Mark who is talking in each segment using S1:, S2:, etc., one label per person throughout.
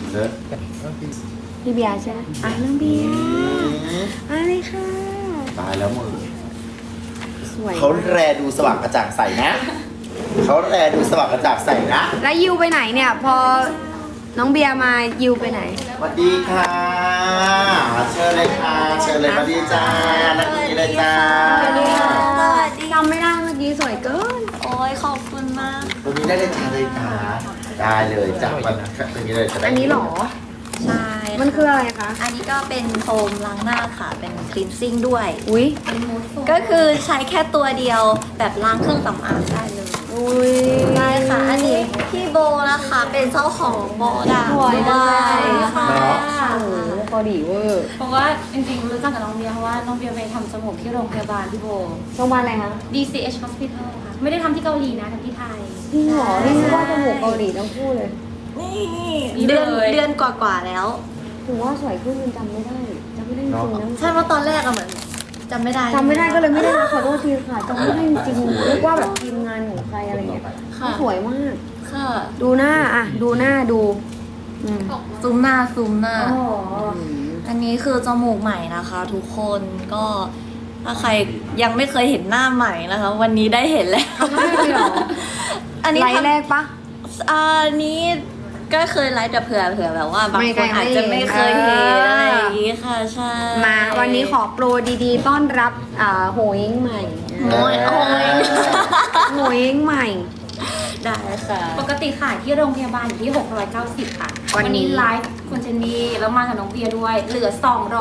S1: เด้อ
S2: พี่เบียร์ใช่ไหมน้องเบียร์อะไรค่ะ
S1: ตายแล้วมึง
S2: สวย
S1: เขาแรดูสว่างกระจ่างใสนะเขาแรดูสว่างกระจ่างใสนะ
S2: แล้วยิวไปไหนเนี่ย พอน้องเบียร์มายิวไปไหน
S1: สวัสดีค่ะเชิญเลยค่ะเชิญเลยสวัสดีจ้านักนี้เลยจ้า
S2: สวัสดีจำไม่ได้เมื่อกี้สวยเกิน
S3: โอ้ยขอบคุณมาก
S1: ตรงนี้ได้เลยจ้าเลยค่ะได้เลยจ้าวันตรงนี้เลยจะได้
S2: อันนี้เหรอ
S3: ใช่
S2: มันคืออะไรคะ
S3: อันนี้ก็เป็นโฟมล้างหน้าค่ะ เป็นคลีนซิ่งด้วย
S2: อุ้ย
S3: ก็คือใช้แค่ตัวเดียวแบบล้างเครื่องสำอางได้เลย
S2: อุ้ย
S3: ได้ค่ะ อันนี้พี่โบนะคะ เป็นเจ้าของโบดา
S2: สวยจังเลย
S3: ค่ะ
S2: โอ้โหพอดีเวอร์
S4: เพราะว่าจริงๆรู้จักกับน้องเบียร์เพราะว่าน้องเบียร์ไปทำจมูกที่โรงพยาบาลพี่โบ
S2: โรงพยาบาลอะไรคะ
S4: DCH Hospital ค่ะ ไม่ได้ทำที่เกาหลีนะทำที่ไทย
S2: จริงเหรอนี่นึกว่าจมูกเกาหลีทั้งคู่เลย
S3: นี่เดือนกว่าๆแล้ว
S2: ถึงว่าสวยขึ้นจนจำไม่ได้จำไม่ได้จริงๆนะ
S3: ใช่ว่าตอนแรกอะเหมือนจำไม่ได้
S2: จำไม่ได้ก็เลยไม่ได้นะขอโทษทีค่ะจำไม่ได้จริงๆนึกว่าแบบทีมงานของใครอะไรเงี้ย
S3: ค่ะ
S2: สวยมาก
S3: ค่ะ
S2: ดูหน้าอ่ะดูหน้าดูอืม
S3: ซูมหน้าซูมหน้า
S2: อ๋อ
S3: อันนี้คือจมูกใหม่นะคะ ทุกคนก็ถ้าใครยังไม่เคยเห็นหน้าใหม่นะคะ วันนี้ได้เห็นแล้ว
S2: ไม่เลยเหรอ
S3: อันนี้
S2: ไลฟ์
S3: ทำ
S2: แรกปะ
S3: อันนี้ก็เคยไลฟ์แต่เผื่อแบบว่าบาง
S2: ไม่
S3: คนอาจจะไม่เคยเห็นอะไรอย่างนี้ค่ะใช่
S2: มาวันนี้ขอโปรดีๆ ต้อนรับโหยเองใหม่
S3: โอ้ยโอ้ย
S2: โหยเองใหม่
S3: ได้ค่ะ
S4: ปกติขายที่โรงพยาบาลอยู่ที่ 690 ค่ะ
S2: วันนี้
S4: ไลฟ์คุณเจนนี่แล้วมากับน้องเบียร์ด้วย เหลือ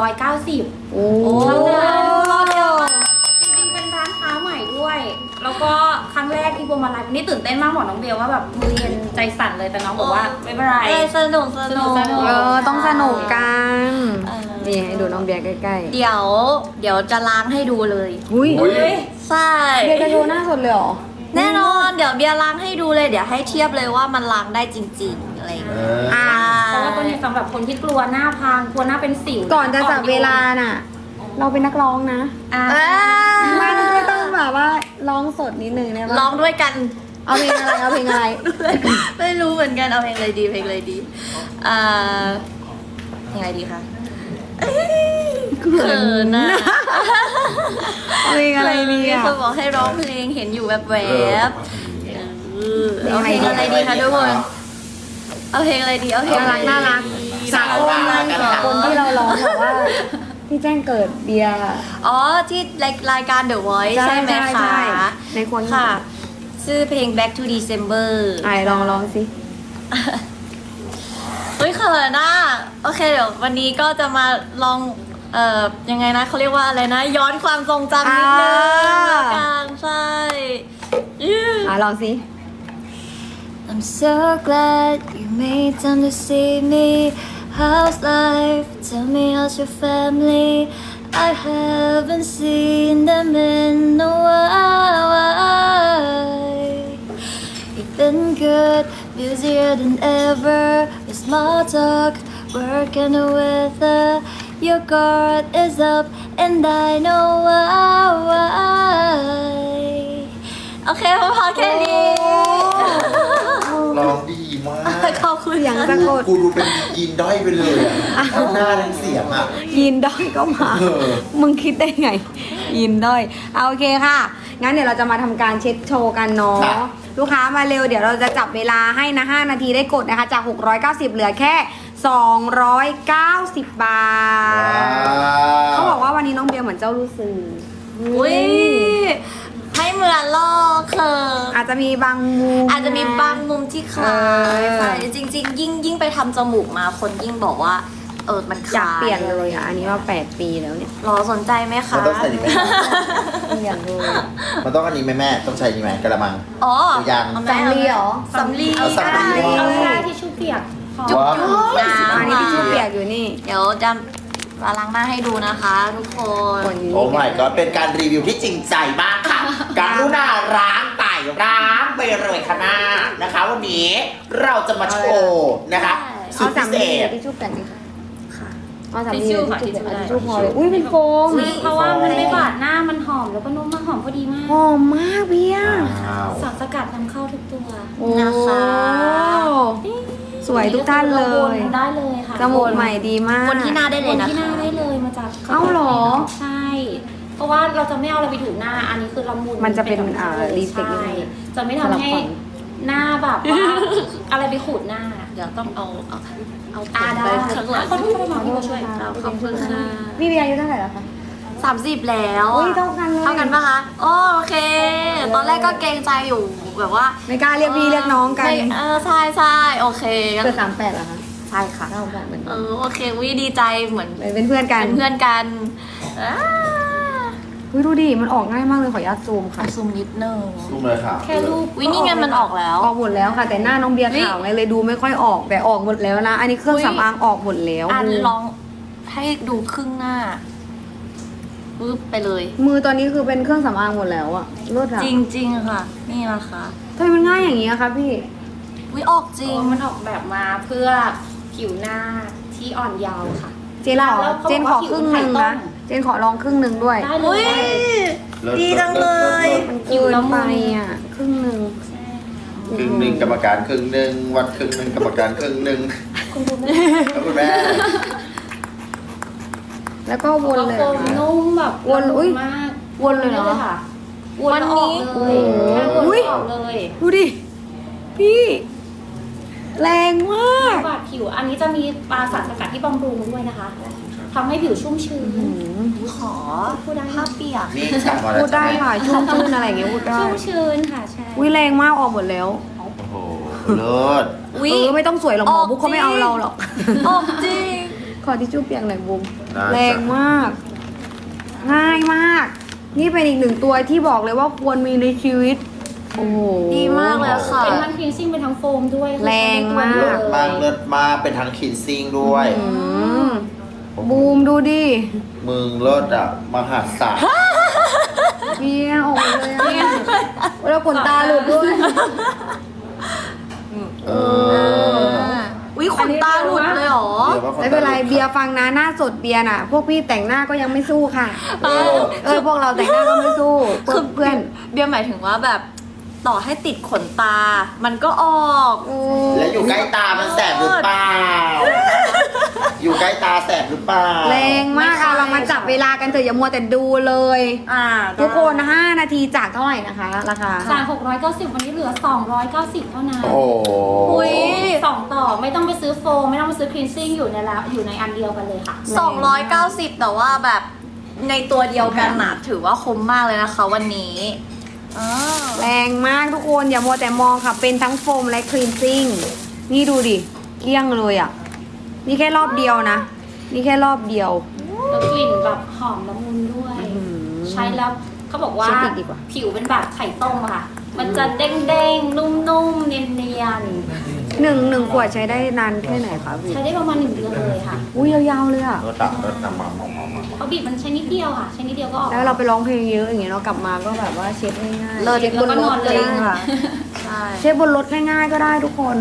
S4: 290
S2: โอ้
S4: เท่านั้น
S3: รอดเดียว
S4: จริงๆเป็นร้านค้าใหม่ด้วย แล้วก็ครั้งแรกที่โบมาไลฟ์นี่ตื่นเต้นมากบอกน้องเบียร์ว่าแบบมือเย็นใจสั่นเลยแต่น้องบอกว่าไม่เป็นไร
S3: สนุกสนุก
S4: สนุก
S2: ต้องสนุกกัน
S3: เออ
S2: นี่ให้ดูน้องเบียร์ใกล้
S3: เดี๋ยวจะล้างให้ดูเลย
S2: ๆอุ้ย
S1: อุ๊ย
S3: ใช่
S2: เบียร์จะโชว์หน้าสดเลยเหรอ
S3: แน่นอนเดี๋ยวเบียร์ล้างให้ดูเลย เดี๋ยวให้เทียบเลยว่ามันล้างได้จริงๆอะไรอย่าง
S1: เอ
S3: เงี้ย
S1: อ
S2: อ่า
S4: เพราะว่าตัวนี้สำหรับคนที่กลัวหน้าพังกลัวหน้าเป็นสิว
S2: ก่อนจะจับเวลาน่ะ เราเป็นนักร้องนะ
S4: อ่ะ
S2: มันก็ต้องแบบว่าร้องสดนิดนึงได้ปะ
S3: ร้องด้วยกัน
S2: เอาเพลงอะไรเอาเพลงอะไร
S3: ไม่รู้เหมือนกันเอาเพลงอะไรดีเพลงอะไรดีอ่าเพลงอะไรดีคะเขินน่ะ
S2: เอาเพลงอะไรดี
S3: มี
S2: อ่ะ
S3: คนบอกให้ร้องเพลงเห็นอยู่แบบแวบๆเอาเพลงอะไรดีคะทุกคนเอาเพลงอะไรดีเอาเพลงอะไรดี
S2: น่ารัก สากลมันคนที่เราร้องแบบว่า ที่แจ้งเกิดเบียร์
S3: อ๋อที่รายการ The Voice ใช่ไหมคะ
S2: ในคน
S3: ค่ะ ชื่อเพลง Back to December
S2: ไอ้ลองสิ
S3: เฮ้ยเขินอ่ะโอเคเดี๋ยววันนี้ก็จะมาลองยังไงนะเขาเรียกว่าอะไรนะ ย้อนความทรงจำนิดนึงละกันใช่อื้อ
S2: ลองสิ
S3: I'm so glad you made time to see me. How's life? Tell me how's your family? I haven't seen them in a while. You've been good, busier than ever with small talk, work and the weather. Your guard is up and I know why. โอเคพอแค่นี้
S1: ร้องดีมาก
S3: ขอบคุณ
S2: เสียง
S3: ค่ะ
S2: สะกด
S1: กูดูเป็นยีนด้อยไปเลยอะทั้งหน้าทั้งเสียงอ่ะ
S2: ยินด้อยก็มา
S1: เออ
S2: มึงคิดได้ไง ยินด้อยเอาโอเคค่ะ งั้นเดี๋ยวเราจะมาทำการเช็ดโชว์กันเนาะ ลูกค้ามาเร็ว เดี๋ยวเราจะจับเวลาให้นะ 5 นาทีได้กดนะคะ จาก 690 เหลือแค่ 290 บาท เขาบอกว่าวันนี้น้องเบียร์เหมือนเจ้าลูกสื่อ
S3: อุ้ยให้เหมือนลอกเขิน
S2: อาจจะมีบางมุม
S3: อาจจะมีบางมุมที่คล้าย
S2: เออ
S3: ใช่จริงๆ ยิ่งไปทำจมูกมาคนยิ่งบอกว่ามันค
S2: อยาก
S3: ล้าย
S2: เปลี่ยนเลยอ่ะ อันนี้ว่า 8 ปีแล้วเนี่ย
S3: รอสนใจไหมคะ
S1: มันต้องใส่ดีไหม
S2: เปลี่ยนเลย
S1: มันต้องอันนี้ไหมแม่ต้องใช้ดีไหมกระมัง
S3: อ๋อ
S1: หรือยัง
S3: เอาไหม
S2: สำลีเหรอ
S3: สำลี
S1: เอาสำลี
S4: เอาได้ที่ชู่เปียกพอ
S3: จุ๊บ
S1: ว้าว
S3: จุ๊บน้
S2: อันนี้ที่ชูเปียกอยู่นี่
S3: ำเดี๋ยวจะมาล้างหน้าให้ดูนะคะ ทุกคน
S2: คนอยู่
S1: โอ้
S2: นี่
S1: my god เป็นการรีวิวที่จริงใจมากค่ะ การุณาล้างไต่ล้างไปเลยค่ะหน้านะคะ วันนี้เราจะมาโชว์นะคะสุ
S2: เอา
S1: ดพิ
S2: สาม
S1: เศ
S2: ลี
S1: ษ
S2: ที่ชูเปียกสิคะ
S3: ค่ะ
S2: เอาสามลีที่ชูเปียกที่ชูพอเลยอุ้ยเป็นโฟม
S4: เพราะว่ามันไม่บาดหน้ามันหอมแล้วก็นุ่มมากหอมพอดีมาก
S2: หอมมากเบียร์
S1: ว้าว
S4: สารสกัดนำเข้าทุกตัว
S2: โอ้
S3: นะคะ
S1: ส
S2: สวยทุกท่านเลย
S4: วนได้เลยค่ะ
S2: จมูกใหม่ดีมาก
S3: วนที่หน้าได้เลย
S4: วน
S3: นะ
S4: ที่หน้า
S3: คะ
S4: ได้เลยมาจาก
S2: เอ้าเหรอ
S4: ใช่ เพราะว่าเราจะไม่เอาอะไรไปถูหน้า อันนี้คือละมุน
S2: มันจะเป็น
S4: แบบ
S2: reflect
S4: ใช่
S2: นิดนึง
S4: จะไม่ทำให้หน้าแบบว่า อะไรไปขูดหน้า
S3: เดี๋ยวต้องเอา
S4: ได้
S3: ไปข้างหลัง
S4: ขอโทษมาพี่มาช่วย
S3: ขอบคุณค่ะ
S2: พี่เบียร์อายุเท่าไหร่แล้วคะ
S3: 30 แล้ว
S2: อุ้ยเท่ากันเลย
S3: เท่ากันปะคะโอเค ตอนแรกก็เกรงใจอยู่แบบว่า
S2: ไม่กล้าเรียกพี่เรียกน้องกัน
S3: ไม่ใช่ใช่โอเค
S2: เกิด38เหรอคะ
S3: ใช่ค่ะ
S2: เท่ากันเหมือนกัน
S3: โอเควิดีใจเหมือน
S2: เป็นเพื่อนกัน
S3: เป็นเพื่อนกันอ่า
S2: อุ้ยดูดิ มันออกง่ายมากเลยขออนุญาตซูมค่ะ
S3: ซูมนิดนึง
S1: รูปเลยค่ะ
S4: แค่รูป
S3: วินี่ไงมันออกแล้ว
S2: ออกหมดแล้วค่ะ แต่หน้าน้องเบียร์ขาวไงเลยดูไม่ค่อยออกแต่ออกหมดแล้วนะ อันนี้เครื่อง
S3: อุ๊ย
S2: สำอางออกหมดแล้ว
S3: ลองให้ดูครึ่งหน้าปึ๊บไปเลย
S2: มือตอนนี้คือเป็นเครื่องสำอางหมดแล้วอะเลิศอะ
S3: จริงๆค่ะ นี่นะคะ
S2: ทำไมมันง่ายอย่างนี้อะคะพี่
S3: วิออกจริง
S4: มันออกแบบมาเพื่อผิวหน้าที่อ่อนเยาว์ค่ะ
S2: เจนขอ
S4: แล้วเขา
S2: เจนขอครึ่งหนึ่ง
S4: บอกว่า
S2: นะ เจนขอลองครึ่งหนึ่งด้วย
S4: ได้เล
S3: อุ้
S4: ย
S3: ย ดีจังเลย
S2: มันเกินไปอะครึ่งหนึ่ง
S1: ครึ่งหนึ่งกรรมการครึ่งหนึ่งวัดครึ่งหนึ่งกรรมการครึ่งหนึ่ง
S4: คุณดูไหม
S1: ครับคุณแม่
S2: แล้วก็วนเลย
S4: โฟ
S2: เหรอ
S4: ม
S2: คะ
S4: นุ่มแบบ
S2: วนอุ๊ย
S4: มาก
S2: วนเลยเหรอ
S4: ค่ะวนแล้วออกเลย
S2: โอ้โห
S4: แค่วน
S2: อุ๊ย
S4: ออกเลย
S2: ดูดิ พี่ แรงมาก
S4: บาดผิว อันนี้จะมีปลาสารสกัดที่บำรุงด้วยนะคะทำให้ผิวชุ่มชื้น
S3: ขอ
S4: พูดได้
S3: ผ้าเปียก
S1: นี่สั่งมาแล้ว
S2: พูดได้ค่ะ ชุ่มชื่นอะไรอย่างเงี้ยพูดได้
S4: ชุ่มชื้นค่ะใช่
S2: วิแรงมากออกหมดแล้ว
S1: โอ้โหเลิศ
S3: วิ
S2: ไม่ต้องสวยหรอกหมอบุ๊กเขาไม่เอาเราหรอก
S3: ออกจริง
S2: ขอทิชชู่เปียกหน่อยบุม
S1: ได้
S2: แรงมาก ง่ายมาก นี่เป็นอีกหนึ่งตัวที่บอกเลยว่าควรมีในชีวิต โอ้โห
S3: ดีมากเลยค่ะ
S4: เป็นทั้งคลีนซิ่งเป็นทั้งโฟมด้วย
S2: แรงมาก
S1: เลิศมากเลิศมากเป็นทั้งคินซิ่งด้วย
S2: อืมบูมดูดิ
S1: มึงเลิศอ่ะมหาศาล
S2: เบียร์ออกมาเลยอะแล้วขนตาหลุดด้วย
S1: เออ
S3: วิขนตาหลุดเลยเหรอ
S1: ดี๋ยวว่าค
S2: ไม่เป็นไรเบียร์ฟังนะหน้าสดเบียร์น่ะ พวกพี่แต่งหน้าก็ยังไม่สู้ค่ะ พวกเราแต่งหน้าก็ไม่สู้เพื่อน
S3: เบียร์หมายถึงว่าแบบต่อให้ติดขนตา มันก็ออก
S2: โอ้
S1: แล้วอยู่ใกล้ตามันแสบหรือเปล่า อยู่ใกล้ตาแสบหรือเปล่า
S2: แรงมากอะเรามาจับเวลากันเถอะอย่ามัวแต่ดูเลย ทุกคน5 นาทีจากเท่าไหร่นะคะ ราคา
S4: จาก690วันนี้เหลือ 290 เท่านั้น
S1: โอ้โห
S3: อุ๊ย
S4: สองต่อไม่ต้องไปซื้อโฟมไม่ต้องไปซื้อคลีนซิ่งอยู่ในแล้วอยู่ในอันเดียวกันเลยค่ะ
S3: 290 แต่ว่าแบบในตัวเดียวกันน่ะถือว่าคุ้มมากเลยนะคะวันนี้อ่า
S2: แรงมากทุกคนอย่ามัวแต่มองค่ะ เป็นทั้งโฟมและคลีนซิ่งนี่ดูดิเกลี้ยงเลยอ่ะ นี่แค่รอบเดียวนะ นี่แค่รอบเดียว
S4: แล้วกลิ่นแบบหอมละมุนด้วย
S2: อื้อหือ
S4: ใช้แล้วเขาบอกว่า
S2: เช็คอีกดีกว่า
S4: ผิวเป็นแบบไข่ต้มอะค่ะ มันจะเด้งๆ นุ่มๆ เนียน
S2: หนึ่งขวดใช้ได้นานแค่ไหนคะพี่
S4: ๆ ใช้ได้ประมาณ1 เดือนเลยค่ะ
S2: อุ้ยยาวๆเลยอ่ะ
S1: รถตักรถนำมา
S4: เขาบีบมันใช้นิดเดียวค่ะ ใช้นิดเดียวก็ออก
S2: แล้วเราไปร้องเพลงเยอะอย่างเงี้ยเรากลับมาก็แบบว่าเช็ดง่ายๆ
S3: เลิศ
S2: เช็ดบนร
S4: แล้วก็นอ
S2: ถ
S4: นเลย
S2: จริงค่ะ
S3: ใช่
S2: เช็ดบนรถง่ายๆก็ได้ทุกคน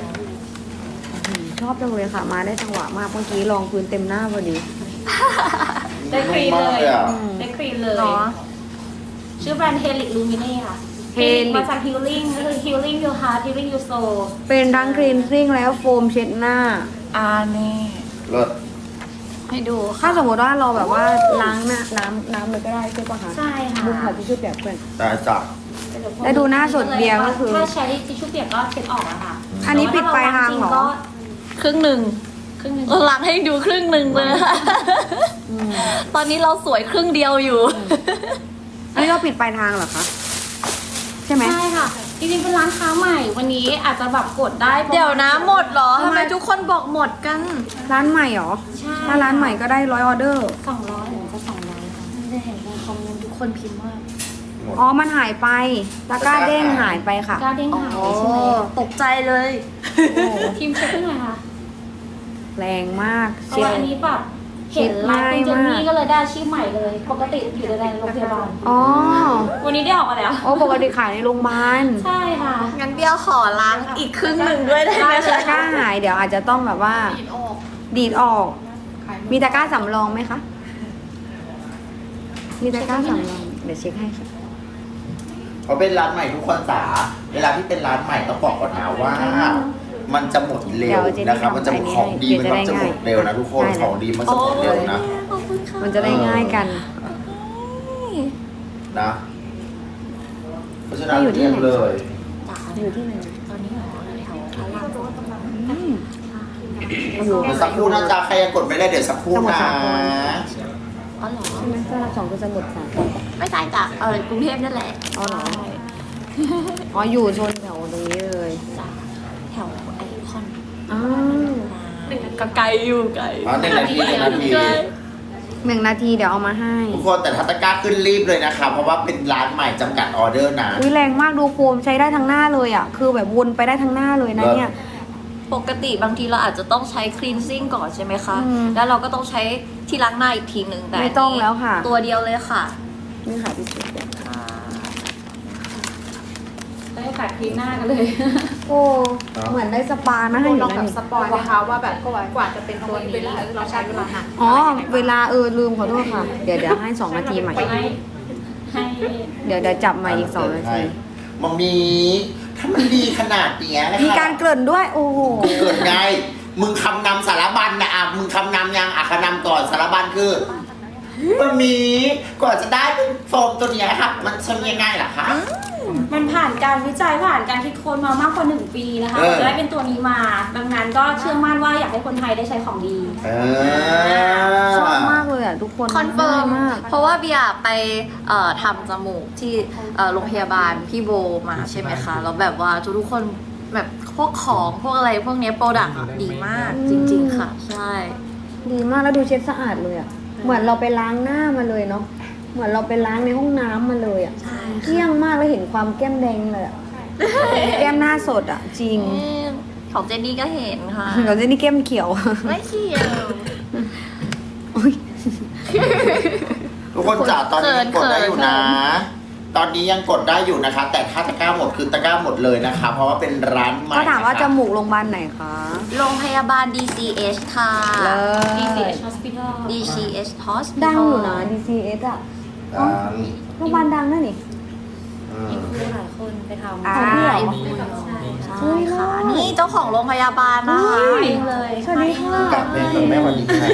S2: ชอบจังเลยค่ะ มาได้จังหวะมากเมื่อกี้ลองพื้นเต็มหน้าพอดี
S4: ได้ครีมเลย
S1: อ่ะ
S4: ได้ครีมเลย
S3: เนาะ
S4: ชื่อแบรนด์ Helix Lumine ค่ะ
S2: Helix
S4: มาจาก Healing ก็คือ Healing Your Heart Healing Your Soul
S2: เป็นทั้งคลีนซิ่งแล้วโฟมเช็ดหน้า
S3: นี่
S1: รถ
S3: ให้ดู
S2: ถ้าสมมติว่าเราแบบว่าล้างหน้าน้ำเลยก็ได้ใช่ปะคะ
S4: ใช่ค่ะ
S2: บุ้มขอทิชชู่เปียกเพื่อน
S1: ได้จ้ะ
S2: แล้วดูหน้าสดเบียร์ก็คือ
S4: ถ้าใช้ทิชชู่เปียกก็เช็ดออกอะค่ะ
S2: อันนี้ปิดปลายทางเหรอ
S4: ก็
S3: ครึ่งหนึ่ง
S4: ครึ่งหนึง
S3: ล้างให้ดูครึ่งหนึ่งเลยค่ะตอนนี้เราสวยครึ่งเดียวอยู่
S2: อันนี้เราปิดปลายทางเหรอคะ ใช่ไหม
S4: ใช่ค่ะ จริงๆเป็นร้านค้าใหม่ วันนี้อาจจะแบบกดได้ประมาณ
S3: เดี๋ยวนะหมดเหรอทำไมทุกคนบอกหมดกัน
S2: ร้านใหม่เหรอ
S4: ใช่
S2: ถ้าร้านใหม่ก็ได้100 ออเดอร์
S4: 200หรือจะ200ค่ะ
S3: ไม่ได้เห็นในคอมเมนต์ทุกคนพิมพ์ว่า
S2: อ๋อ มันหายไปตะกร้าเด้งหายไปค่ะ
S4: กล้าเด้งหายใช่ไหม
S3: ตกใจเลย
S4: ทีมเช็คขึ้นหน่อยค่ะ
S2: แรงมาก
S4: เพราะว่าอันนี้แบบเห็นไลฟ์คุณเจนนี่ก็เลยได้อาชีพใหม่เลย ปกติอยู่ในโรงพยาบาล
S2: อ๋อ
S4: วันนี้ได้ออกมาแล้ว
S2: โอ้ปกติขายในโรงพยาบาล
S4: ใช่ค่ะ
S3: งั้นเบี้ยวขอล้างอีกครึ่งหนึ่งด้วยได้ไหม
S2: ตะกร้าหายเดี๋ยวอาจจะต้องแบบว่า ดีดออก มีตะกร้าสำรองไหมคะ มีตะกร้าสำรอง เดี๋ยวเช็คให้ค่ะ
S1: เขาเป็นร้านใหม่ทุกคนจ๋าเวลาที่เป็นร้านใหม่ต้องบอกก่อนนะว่ามันจะหมดเร็วนะครับมันจะของดีมันจะหมดเร็วนะทุกคนของดีมันจะหมดเร็วนะ
S3: ขอบคุณค่ะ
S2: มันจะได้ง่ายกัน
S1: นะเพราะฉะนั้นเรียนเลย
S2: อยู่ที่ไหน
S3: ตอนนี้หมอแถวพระรามสอง
S2: อยู่
S1: เดี๋ยวสักครู่นะจ๊ะใครยังกดไม่ได้เดี๋ยวสักครู่นะ
S3: อ๋อเหรอ
S2: ใช่ไหมพระรามสองคือสมุทรสาคร
S3: ไม่ใช่จ้ะกรุงเทพนั่นแหละ
S2: อ๋อเหรอ อ๋ออยู่โซนแถวตรงนี้เลย
S3: จ้ะแถวไอคอน
S2: อ้าว
S3: ก็ไกลอยู่ไกล
S1: อ๋อ1 นาที1 นาที
S2: 1 นาทีเดี๋ยวเอามาให้
S1: ทุกคนแต่ถ้าตะกร้าขึ้นรีบเลยนะคะเพราะว่าเป็นร้านใหม่จำกัดออเดอร์นะ
S2: อุ้ยแรงมากดูโฟมใช้ได้ทั้งหน้าเลยอ่ะ คือแบบวนไปได้ทั้งหน้าเลยนะเนี่ย
S3: ปกติบางทีเราอาจจะต้องใช้ cleansing ก่อนใช่ไหมคะ
S2: อืม
S3: แล้วเราก็ต้องใช้ที่ล้างหน้าอีกทีหนึ่งแต่
S2: ไม่ต้องแล้วค่ะ
S3: ตัวเดียวเลยค่ะ
S2: นี่ค่ะพี่สุด
S4: ได้ขายครีมหน้ากันเลย
S2: โอ้เหมือนได้สปานะให้อยู่
S5: ลอง
S2: นะ
S5: แบบ
S2: นี่
S5: สปอยนะคะว่าแบบกว่าจะเป็นตัวนี้เราใช้เวลานาน
S2: อ๋อเวลาลืมขอโทษค่ะ เดี๋ยวให้2 นาทีใหม่
S4: ให้
S2: เดี๋ยวจับใหม่อีก2 นาที
S1: มัมมี่ถ้ามันดีขนาดเนี้ยนะคะ
S2: มีการเกริ่นด้วย โอ้โห
S1: เกิดไง มึงคำนำสารบัญนะอ่ะมึงคำนำยังอ่ะคำนำก่อนสารบัญคือมัมมี่ก่อนจะได้เป็นโฟมตัวเนี้ยค่ะมันใช้ยังไงล่ะคะ
S4: มันผ่านการวิจัยผ่านการคิดค้นมามากกว่า1 ปีนะคะ
S1: เออ
S4: จะได้เป็นตัวนี้มา ดังนั้นก็เชื่อมั่นว่าอยากให้คนไทยได้ใช้ของดี
S2: ชอบมากเลยอ่ะทุกคน
S3: คอนเฟิร์ม
S2: ง่ายมาก
S3: เพราะว่าเบียร์ไปทำจมูกที่โรงพยาบาลพี่โบมาใช่ไหมคะ แล้วแบบว่าทุกคนแบบพวกของพวกอะไรพวกเนี้โปรดักต์ดีมากจริง ๆ ค่ะ ใช่
S2: ดีมากแล้วดูเช็ดสะอาดเลยอ่ะ เหมือนเราไปล้างหน้ามาเลยเนาะ เหมือนเราไปล้างในห้องน้ำมาเลยอ่ะ
S3: ใช่
S2: เกลี้ยงมากแล้วเห็นความแก้มแดงเลยอ่ะ แก้มหน้าสดอ่ะ จริง
S3: ของเจนนี่ก็เห็นค่ะ
S2: เดี๋ยวจะนี่แก้มเขียว
S3: ไม่เขียว
S2: อุ๊ย
S1: ทุกคนจ๋าตอนนี้ยังกดได้อยู่นะ ตอนนี้ยังกดได้อยู่นะคะ แต่ถ้าตะกร้าหมดคือตะกร้าหมดเลยนะคะ เพราะว่าเป็นร้านใหม่
S2: ก็ถามว่า
S1: นะคะ
S2: จมูกโรงพยาบาลไหนคะ
S3: โรงพยาบาล DCH ค่ะ
S2: เลิศ
S4: DCH Hospital
S3: DCH Hospital
S2: ดังอยู่นะ DCS อ่ะ
S1: อ่า
S2: โรงพยาบาลดังนั่นนี่
S1: อืม
S4: มีหลายคนไปทำ
S2: อ่า
S3: ใช่ค่ะ นี่เจ้าของโรงพยาบาลนะคะ
S4: เองเลย
S2: สวัสดีค่ะ
S1: กลับเป็นคนแม่วันนี้ค่ะ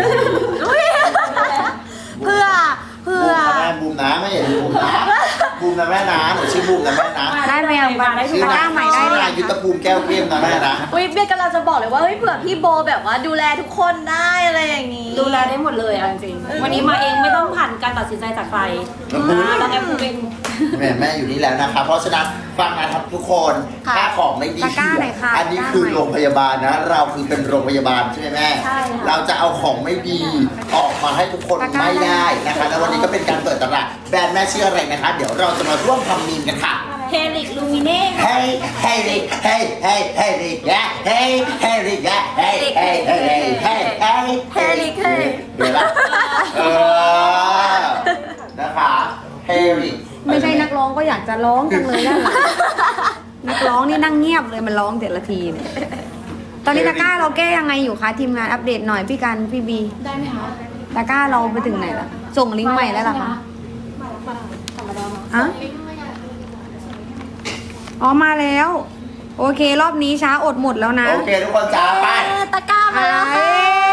S3: เพื่อ
S1: บูมนะแม่บูมนะไม่เห็นบูมนะบูมนะแม่นะหนูชื่อบูมนะแม่นะ
S2: ได้ไหมยังบ้าง
S1: ชื่อ
S2: ตะกร้าใหม่ได้
S1: ชื่อ
S2: เลย
S1: นายยุทธภูมิแก้วเข้มนะแม่นะ
S3: อุ้ยเบียร์กำลังจะบอกเลยว่าเฮ้ยเผื่อพี่โบแบบว่าดูแลทุกคนได้อะไรอย่างนี้
S4: ดูแลได้หมดเลยเอาจริงๆวันนี้มาเองไม่ต้องผ่านการตัดสินใจจากใครเราแอปเป็น
S1: แม่อยู่นี่แล้วนะคะ เพราะฉะนั้นฟังนะครับทุกคน
S3: ค่ะ
S1: ถ้าของไม่ดี
S2: ตะกร้าไหนคะ
S1: อันนี้คือโรงพยาบาลนะ เราคือเป็นโรงพยาบาลใช่ไหมแม่
S4: ใช่ค่ะ
S1: เราจะเอาของไม่ดีออกมาให้ทุกคน
S2: ตะกร้า
S1: ไม่ได้นะคะ แล้ววันนี้ก็เป็นการเปิดตลาดแบรนด์แม่ชื่ออะไรนะคะ เดี๋ยวเราจะมาร่วมทำมีมกันค่ะ
S4: เฮลิกลูมิเน่
S1: เฮ้ยเฮ้ยเฮ้ยเฮ้ยเฮ้ยเฮ้ยเฮ้ยเฮ้ยเฮ้ยเฮ้ยเฮ้ยเฮ้ยเฮ้ยเฮ้ยเฮ้ยเฮ้ยเดี๋ยวละนะคะเฮลิ
S2: ไม่ใช่นักร้องก็อยากจะร้องจังเลยด้านหลังนักร้องนี่นั่งเงียบเลยมันร้องแต่ละทีเนี่ยตอนนี้ตะกร้าเราแก้ยังไงอยู่คะทีมงานอัปเดตหน่อยพี่กันพี่บี
S4: ได้ไหมคะ
S2: ตะกร้าเราไปถึงไหนละส่งลิงก์ใหม่แล้วเหรอคะ
S4: ธรรมดา
S2: อะอ๋อมาแล้ว โอเค รอบนี้ช้าอดหมดแล้วนะ
S1: โอเคทุกคนจ้าไป
S3: ตะกร้ามาแล้วค่ะ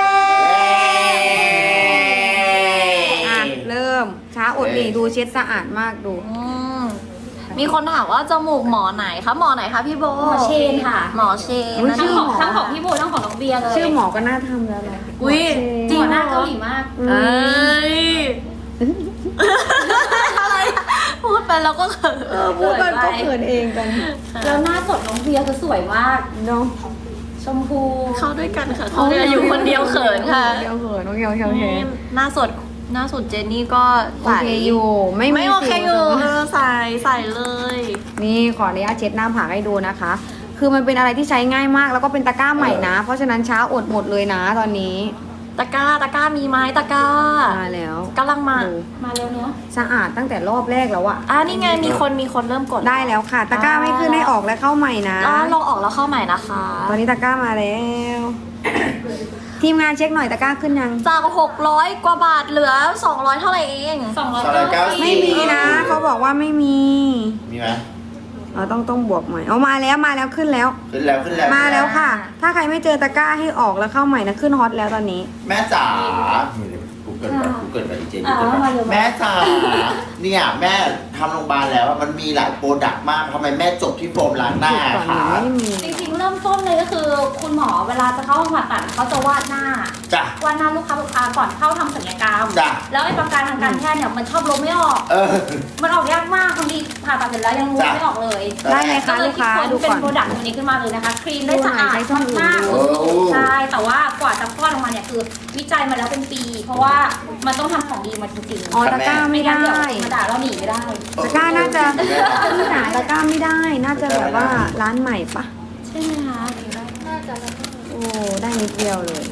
S2: อ่ะเริ่มช้าอดนี่ดูเช็ดสะอาดมากดู
S3: อืมมีคนถามว่าจมูกหมอไหนคะหมอไหนคะพี่โบ
S4: หมอเชนค่ะ
S3: หมอเชน
S2: อุ๊ย
S3: นะ
S4: ทั้ง
S2: ชื่
S4: ของทั้งของพี่โบทั้งของน้องเบียร์เลย
S2: ชื่อหมอก็น่าทำแล้วแหละ
S3: อุ้ย
S4: จริงหน้าเกาหลีมาก
S2: อื
S3: เอ้
S2: ม
S3: ยอะไรอะพูดไปแล้วก็เขิน
S2: พูดกันก็เขินเองกัน
S4: แล้วหน้าสดน้องเบียร์คือสวยมาก
S2: เนาะ
S4: ชมพู
S3: เข้าด้วยกันค่ะเขาอยู่คนเดียวเขินค่ะ
S2: เดียวเขินโอเคโอเคโอเค
S3: หน้าสดเจนนี่ก็
S2: โอเคอยู่ไม่มี
S3: ไม่โอเค
S2: สิว
S3: อยู่
S2: นะ
S3: ใส่เลย
S2: นี่ขออนุญาตเช็ดหน้าผากให้ดูนะคะ คือมันเป็นอะไรที่ใช้ง่ายมากแล้วก็เป็นตะกร้าใหม่นะ เพราะฉะนั้นช้าอดหมดเลยนะตอนนี้
S3: ตะกร้ามีไหมตะกร้า
S2: มาแล้ว
S3: กำลังมา
S2: ดู
S4: มาเร็วเนาะ
S2: สะอาดตั้งแต่รอบแรกแล้วอะ
S3: นี่ไงมีคนเริ่มกด
S2: ได้แล้วค่ะ ตะกร้าไม่ขึ้นให้ออกและเข้าใหม่นะ
S3: ลองออกแล้วเข้าใหม่นะคะ
S2: ตอนนี้ตะกร้ามาแล้ว ทีมงานเช็คหน่อยตะกร้าขึ้นยัง
S3: จาก600 กว่าบาทเหลือ 200 เท่าไหร่เอง
S4: 290
S2: ไม่มีนะเขาบอกว่าไม่มี
S1: มีไหม
S2: เราต้องบวกใหม่เอามาแล้วขึ้นแล้ว
S1: ขึ้นแล้วขึ้นแล้ว
S2: มาแล้วค่ะ ถ้าใครไม่เจอตะกร้าให้ออกแล้วเข้าใหม่นะขึ้นฮอตแล้วตอนนี้
S1: แม่จ๋ากูเกิดไปกูเกิดไปเจน
S4: มาเร็ว
S1: แม่จ๋าเนี่ยแม่ทำโรงพยาบาลแล้วมันมีหลายโปรดักต์มากทำไมแม่จบที่โฟมล้างหน้า
S2: ก่อนหนู
S1: คะ
S2: ไม่มี
S4: จริงๆเริ่มต้นเลยก็คือคุณหมอเวลาจะเข้าห้องผ่าตัดเขาจะวาดหน้า
S1: จ้ะ
S4: วาดหน้าลูกค้าก่อนเข้าทำศัลยกรรม
S1: จ้ะ
S4: แล้วไอ้ประการทางการแพทย์เนี่ยมันชอบลบไม่ออก
S1: เออ
S4: มันออกยากมากบางทีผ่าตัดเสร็จแล้วยังลบ
S1: จ้ะ
S4: ไม่ออกเลย
S2: ได้ไหม
S4: ก็
S2: คะ
S4: เลย
S2: ลูกค้า
S4: คิด
S2: ดู
S4: ค้นเป็น
S2: ก่อน
S4: โปรดักต์ตัวนี้ขึ้นมาเลยนะคะ ครีมได้สะอาด
S2: ใช้ช่องอื่น
S4: มาก
S2: ดู
S4: ๆใช่แต่ว่ากว่าจะคลอดออกมาเนี่ยคือวิจัยมาแล้วเป็นปี เพราะว่ามันต้องทำของดีมาจริงๆ
S2: อ๋อตะกร้าไม่ได้
S4: งั้นเดี๋ยวมาด่าเราหนีไม่ได้
S2: ตะกร้าน่าจะที่หนาตะกร้าไม่ได้ น่าจะแบบว่าร้านใหม่ปะ
S4: ใช่ไหมคะ
S2: โอ้ได้นิดเดียวเลย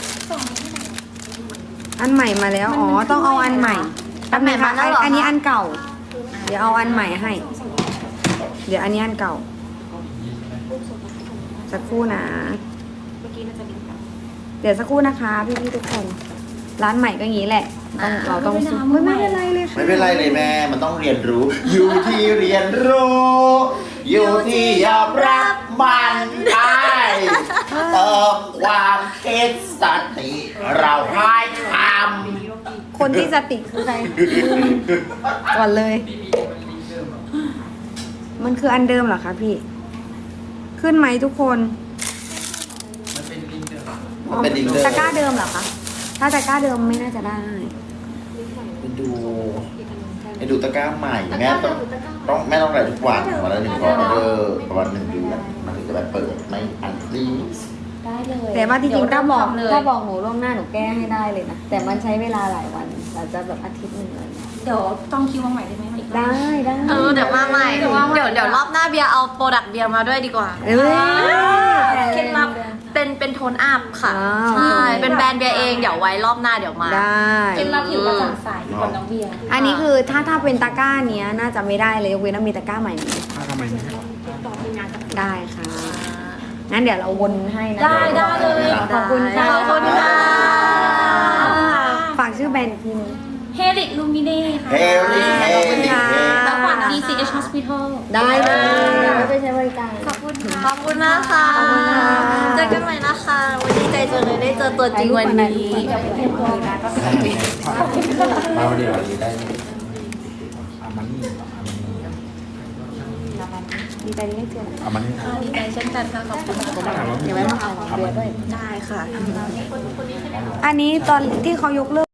S2: อันใหม่มาแล้วอ๋อต้องเอาอันใหม่
S3: อันใหม่มาแล้วเหรอคะ
S2: อันนี้อันเก่า เดี๋ยวเอาอันใหม่ให้ เดี๋ยวอันนี้อันเก่าสักครู่นะ เดี๋ยวสักครู่นะคะพี่ๆทุกคน ร้านใหม่ก็อย่างนี้แหละเราต้องซื้อไม่เป็นไรเลยค่ะ
S1: ไม่เป็นไรเลยแม่ มันต้องเรียนรู้ อยู่ที่เรียนรู้ อยู่ที่ยอมรับมันได้เติมความคิดสติเราให้ท
S2: คนที่สติคือใครก่อนเลย มันคืออันเดิมเหรอคะพี่ ขึ้นไหมทุกคน
S1: ำเป็นดิงเดอร์
S2: ตะกร้าเดิมเหรอคะ ถ้าตะกร้าเดิมไม่น่าจะได้
S1: ไปดูตะกร้าใหม่แม่ต้องแม่ต้องอะไรทุกวันวันละ1 ออเดอร์ประมาณ1 เดือนมันถึงจะแบบเปิดไม่อันรีส
S4: ได้เลย
S2: แต่ว่าจริงๆถ้าบอก
S4: เลย
S2: ถ้าบอกหนูล่วงหน้าหนูแก้ให้ได้เลยนะ แต่มันใช้เวลาหลายวันอาจจะแบบอาทิตย์หนึงเลย
S4: เดี๋ยวต้องคิวมาใหม่ได้ไหมอีกรอบ
S2: ได้
S3: เดี๋ยวมาใหม่ เดี๋ยวรอบหน้าเบียร์เอาโปรดักต์เบียร์มาด้วยดีกว่า
S2: เอ้ย
S3: เคล็ดลับเป็นโทนอัพค่ะ
S2: ว้าว
S3: ใช่ เป็นแบรนด์เบียร์เอง เดี๋ยวไว้รอบหน้าเดี๋ยวมา
S2: ได้
S4: เคล็ดลับผิวกระจ่างใสกับน้องเบียร์
S2: อันนี้คือถ้าเป็นตะกร้าเนี้ยน่าจะไม่ได้เลยยกเว้นว่ามีตะกร้าใหม่นี้ได้ค่ะ งั้นเดี๋ยวเราวนให้นะ
S4: ได้เลย
S2: ขอบคุณค่ะ
S3: ขอบคุณค่ะ
S2: ฝากชื่อแบรนด์อีกทีนึง
S4: เฮลิกลูมิเน่ค่ะ
S1: เฮลิเฮลิเฮ
S4: แล้วฝาก DCH Hospital
S2: ได้เลยเดี๋ยวไปใช้บริการ
S3: ขอบคุณมากค่ะ
S2: ขอบคุณค่ะ
S3: เจอกันใหม่นะคะ วันนี้ดีใจจังเลยได้เจอตัวจริงวันนี้
S1: มาเดี๋ยววันนี้ได้
S2: ดีใจที่ได้เจอ
S3: ดีใจเช่นกันค่ะ ขอบคุณค่ะ
S2: เดี๋ยวไว้มาเอาเบียร์ด้วย
S3: ได้ค่ะ
S2: อันนี้ตอนที่เขายกเลิก